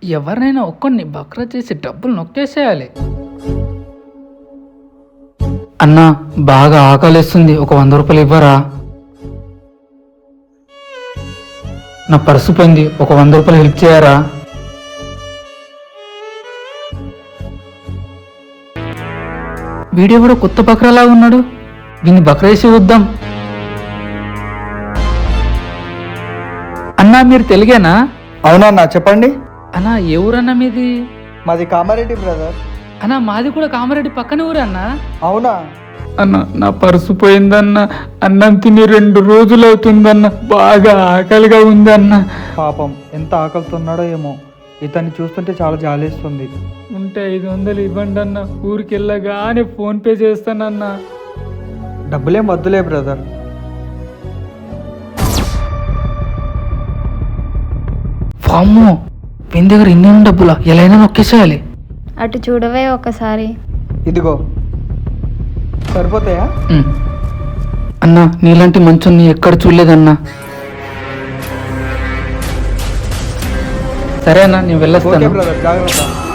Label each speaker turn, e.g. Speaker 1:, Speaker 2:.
Speaker 1: ఎవరినైనా ఒక్కడిని బక్రా చేసి డబ్బులు నొక్కేసేయాలి. అన్నా బాగా ఆకలిస్తుంది, ఒక 100 రూపాయలు ఇవ్వరా? నా పర్సు పోయింది, ఒక 100 రూపాయలు హెల్ప్ చేయరా? వీడియో కూడా కొత్త బక్రాలా ఉన్నాడు, దీన్ని బక్రేసి వద్దాం. అన్నా మీరు తెలుగేనా?
Speaker 2: అవునన్నా చెప్పండి.
Speaker 1: అన్నా ఏ ఊరన్నా మీది?
Speaker 2: మాది కామారెడ్డి బ్రదర్.
Speaker 1: అన్నా మాది కూడా కామారెడ్డి పక్కన ఊరన్నా.
Speaker 2: అవునా?
Speaker 1: అన్న నా పర్సు పోయిందన్న, అన్నం తిని 2 రోజులు అవుతుందన్న, బాగా ఆకలిగా ఉందన్న.
Speaker 2: పాపం ఎంత ఆకలితున్నాడో ఏమో, ఇతన్ని చూస్తుంటే చాలా జాలేస్తుంది.
Speaker 1: ఉంటే 500 ఇవ్వండి అన్న, ఊరికి వెళ్ళగానే ఫోన్ పే చేస్తానన్నా.
Speaker 2: డబ్బులేం వద్దులే బ్రదర్.
Speaker 1: వామ్మో, వీని దగ్గర ఇన్ని డబ్బులా, ఎలా అయినా నొక్కేసేయాలి.
Speaker 3: అటు చూడవే ఒకసారి.
Speaker 2: ఇదిగో సరిపోతాయా?
Speaker 1: అన్నా నీలాంటి మంచుని ఎక్కడ చూడలేదన్నా. సరే అన్నా నేను
Speaker 2: ఓకే
Speaker 1: వెళ్ళొస్తాను.
Speaker 2: బ్రదర్, జాగ్రత్త.